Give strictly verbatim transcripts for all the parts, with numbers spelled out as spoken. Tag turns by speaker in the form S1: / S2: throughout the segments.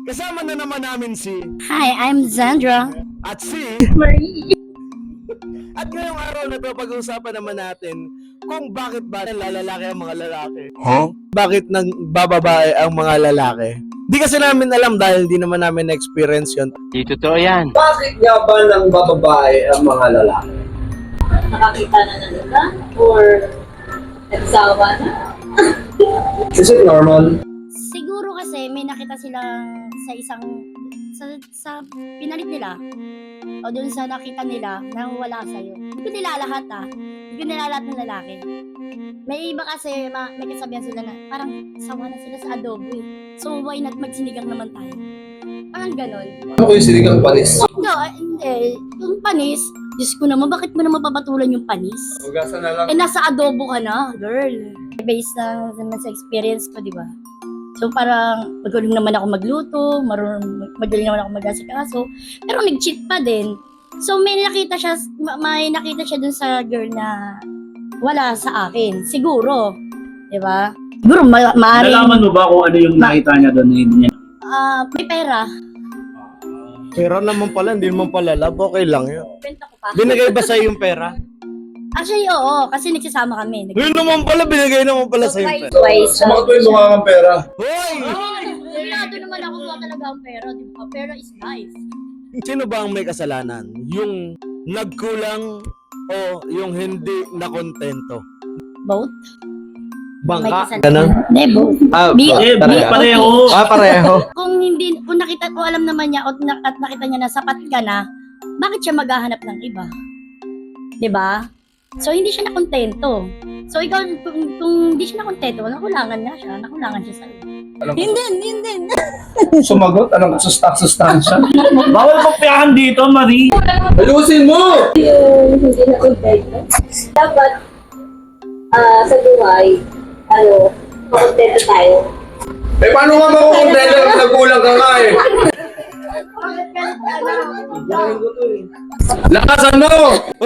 S1: Kasama na naman namin si
S2: Hi, I'm Zandra.
S1: at si
S2: Marie.
S1: at ngayong araw na to pag-uusapan naman natin kung bakit ba nalalaki ang mga lalaki.
S3: Huh?
S1: Bakit nang bababae ang mga lalaki? Di kasi namin alam dahil di naman namin na-experience yun.
S3: Di totoo yan.
S4: Bakit nga ba nang bababae ang mga lalaki?
S5: Nakakita na ng iba? Or nagsawa na?
S4: Is it normal?
S2: Siguro kasi may nakita silang sa isang sa, sa pinalit nila o dun sa nakita nila na wala sa'yo. Hindi ko nila lahat ah. Hindi ko nila lahat ng lalaki. May iba kasi ma- may kasabihan sila na parang sawa na sila sa adobo eh. So why not magsinigang naman tayo? Parang ganon.
S4: Ano ko yung sinigang panis?
S2: No, ah, hindi. Yung panis, Diyos ko naman, bakit mo naman papatulan yung panis?
S4: Hugasan na lang.
S2: Eh, nasa adobo ka na, girl. Based na naman sa experience ko, di ba? So, parang magaling naman ako magluto, marunong, magaling naman ako mag-asikaso, pero nag-cheat pa din. So, may nakita siya, ma- may nakita siya dun sa girl na wala sa akin. Siguro. Di ba? Siguro, ma- maaaring,
S6: Nalaman mo ba kung ano yung nakita niya doon na hindi niya?
S2: ah, may pera.
S1: Pera naman pala, hindi naman pala love. Okay lang yun.
S2: Benta ko pa.
S1: Binigay ba sa'yo yung pera?
S2: Actually, oo, kasi nagsasama kami. Nag-
S1: Yun naman pala, binigay naman pala sa'yo yung pera.
S2: Twice.
S4: Sa mga tuwing mukha kang pera.
S1: Hoy!
S2: Wala naman ako ba talaga ang pera, di ba? Pera is life.
S1: Sino ba ang may kasalanan? Yung nagkulang o yung hindi nakontento?
S2: Both? May
S1: Bangka?
S2: kasalanan.
S1: Ganun?
S2: Hindi, both.
S4: Ah,
S2: Bi-
S6: Eh,
S2: bi-
S6: pareho.
S4: Ah, pareho.
S2: Kung hindi, kung nakita, kung alam naman niya at, na, at nakita niya na sapat ka na, bakit siya maghahanap ng iba? 'Di ba? So hindi siya nakontento. So ikaw, kung, kung hindi siya nakontento, nakulangan nga siya, nakulangan siya sa'yo. Hindi, hindi.
S4: Sumagot? Anong sustak-sustansya?
S6: Bawal kopyahan dito, Marie.
S4: Ayusin mo!
S5: Yung hindi na contento. Dapat, ah, sa buhay, ano, makontento tayo.
S4: Eh, paano nga makukontento kung nagkulang ka nga eh? Lakasan mo!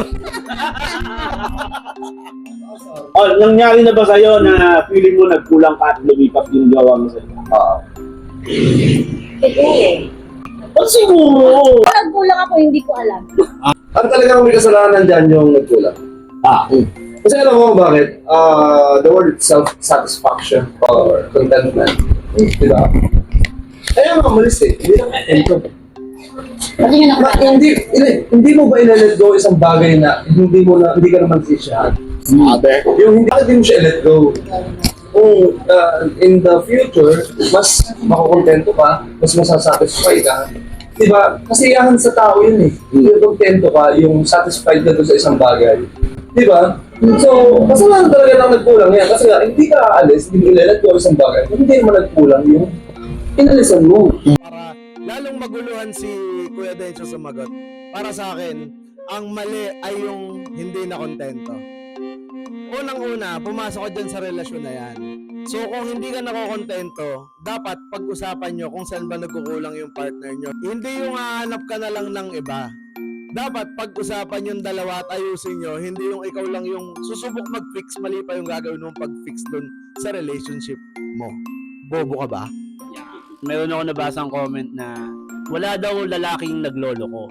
S6: Oh, nangyari na ba sa'yo na feeling mo nagkulang ka at lumipat yung gawa mo sa'yo?
S4: Ah,
S5: Siguro.
S6: Oh, siguro.
S2: Kung nagkulang ako, hindi ko alam.
S4: At talagang may kasalanan dyan yung nagkulang.
S6: Ah,
S4: Kasi alam mo kung bakit? Ah, the word self-satisfaction or contentment. Di ba? Kaya nga malis eh. Hindi na contento.
S2: Kasi yun ako.
S4: Ma, hindi, hindi, hindi mo ba i-let go isang bagay na hindi mo na, hindi ka naman sisyahan? Sabi. Yung hindi, bakit di mo siya i-let go? Kung uh, in the future, mas makukontento ka, mas masasatisfy ka. Di ba? Kasiyahan sa tao yun eh. Yung kontento ka, yung satisfied ka doon sa isang bagay. Di ba? So, kasalanan talaga lang nagkulang yan. Kasi nga, hindi ka aalis, hindi mo i-let go isang bagay. Kung hindi mo nagkulang yung inalisan mo.
S1: Para lalong maguluhan si Kuya Dencio sumagot. Para sa akin, ang mali ay yung hindi nakontento. Unang-una, pumasok ka dyan sa relasyon na yan. So kung hindi ka nakokontento, dapat pag-usapan nyo kung saan ba nagkukulang yung partner nyo. Hindi yung hahanap ka na lang ng iba. Dapat pag-usapan yung dalawa at ayusin nyo, hindi yung ikaw lang yung susubok mag-fix, mali pa yung gagawin mong pag-fix dun sa relationship mo. Bobo ka ba?
S6: meron ako nabasang comment na wala daw lalaking nagloloko.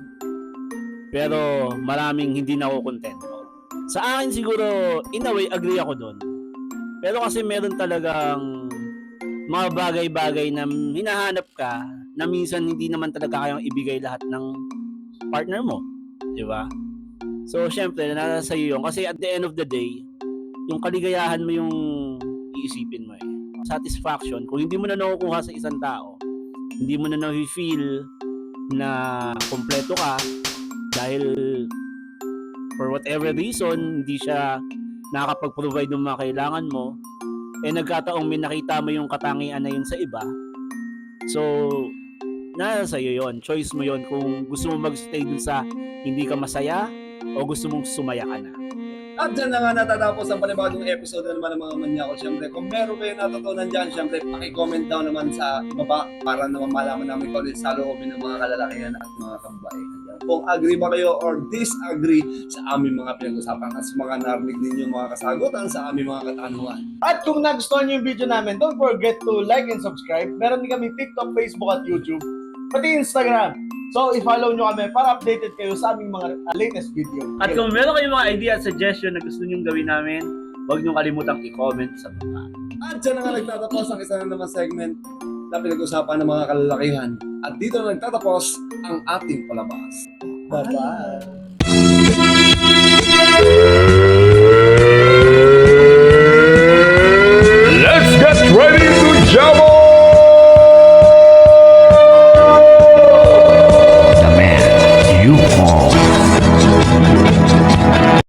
S6: Pero maraming hindi nakokontento. Sa akin siguro, in a way, agree ako doon. Pero kasi meron talagang mga bagay-bagay na hinahanap ka na minsan hindi naman talaga kayang ibigay lahat ng partner mo. Di ba? So, syempre, nasa sa'yo yun. Kasi at the end of the day, yung kaligayahan mo yung iisipin mo eh. Satisfaction, kung hindi mo na nakukuha sa isang tao, hindi mo na na-feel na kompleto ka dahil for whatever reason, hindi siya nakakapag-provide ng mga kailangan mo, eh nagkataong may nakita mo yung katangian na yun sa iba. So, nasa sa'yo yun. Choice mo yun kung gusto mo mag-stay dun sa hindi ka masaya o gusto mong sumaya ka na.
S4: At dyan na nga natatapos ang panibagong episode na naman ng mga Manyakol. Siyempre, kung meron kayo natutunan dyan, siyempre, paki-comment down naman sa baba para naman malaman namin kung ano sa loobin ng mga kalalakihan at mga kambahay. kung agree ba kayo or disagree sa aming mga pinag-usapan at sa mga narinig ninyo mga kasagutan sa aming mga katanungan.
S1: At kung nagustuhan nyo yung video namin, don't forget to like and subscribe. Meron din kami TikTok, Facebook at YouTube, pati Instagram. So, i-follow nyo kami para updated kayo sa aming mga uh, latest video.
S6: At kung meron kayong mga idea at suggestion na gusto nyong gawin namin, huwag nyong kalimutang i-comment sa baba.
S4: At dyan na nga nagtatapos ang isa na naman segment na pinag-usapan ng mga kalalakihan. At dito na nagtatapos ang ating palabas.
S1: Bye-bye!